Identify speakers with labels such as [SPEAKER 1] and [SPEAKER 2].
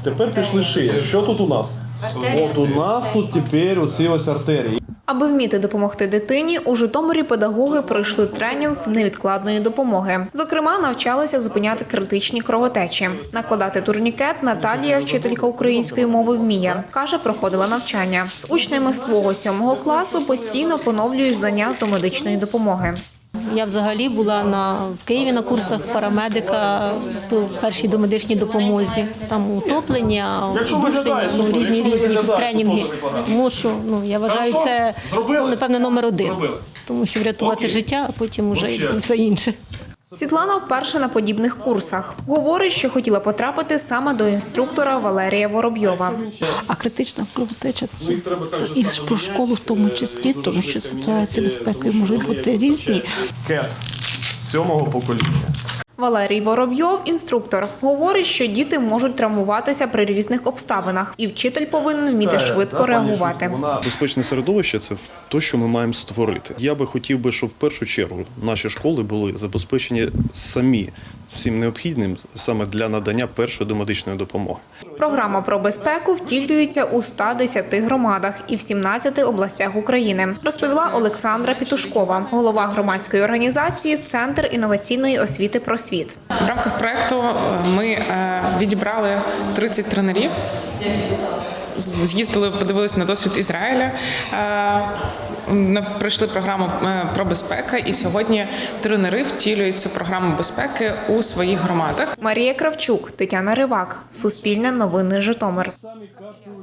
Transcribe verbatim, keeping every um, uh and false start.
[SPEAKER 1] Тепер пішли шия. Що тут у нас? От у нас тут тепер оці ось артерії.
[SPEAKER 2] Аби вміти допомогти дитині, у Житомирі педагоги пройшли тренінг з невідкладної допомоги. Зокрема, навчалися зупиняти критичні кровотечі. Накладати турнікет Наталія, вчителька української мови, вміє. Каже, проходила навчання. З учнями свого сьомого класу постійно поновлює знання з домедичної допомоги.
[SPEAKER 3] Я взагалі була на, в Києві на курсах парамедика по першій домедичній допомозі. Там утоплення, удушення, ну, різні різні тренінги. Тому що, ну, я вважаю, це, ну, напевно, номер один. Тому що врятувати життя, а потім вже і все інше.
[SPEAKER 2] Світлана вперше на подібних курсах. Говорить, що хотіла потрапити саме до інструктора Валерія Воробйова.
[SPEAKER 4] А критична кровотеча – це і про школу в тому числі, тому що ситуації безпеки можуть бути різні.
[SPEAKER 1] Кет сьомого покоління.
[SPEAKER 2] Валерій Воробйов – інструктор. Говорить, що діти можуть травмуватися при різних обставинах, і вчитель повинен вміти швидко реагувати.
[SPEAKER 5] Безпечне середовище – це те, що ми маємо створити. Я би хотів би, щоб в першу чергу наші школи були забезпечені самі всім необхідним саме для надання першої домедичної допомоги.
[SPEAKER 2] Програма про безпеку втілюється у ста десяти громадах і в сімнадцяти областях України, розповіла Олександра Пітушкова, голова громадської організації «Центр інноваційної освіти «Просвіт».
[SPEAKER 6] В рамках проєкту ми відібрали тридцять тренерів, з'їздили, подивилися на досвід Ізраїля, пройшли програму про безпеку, і сьогодні тренери втілюють цю програму безпеки у своїх громадах.
[SPEAKER 2] Марія Кравчук, Тетяна Ривак, Суспільне новини, Житомир.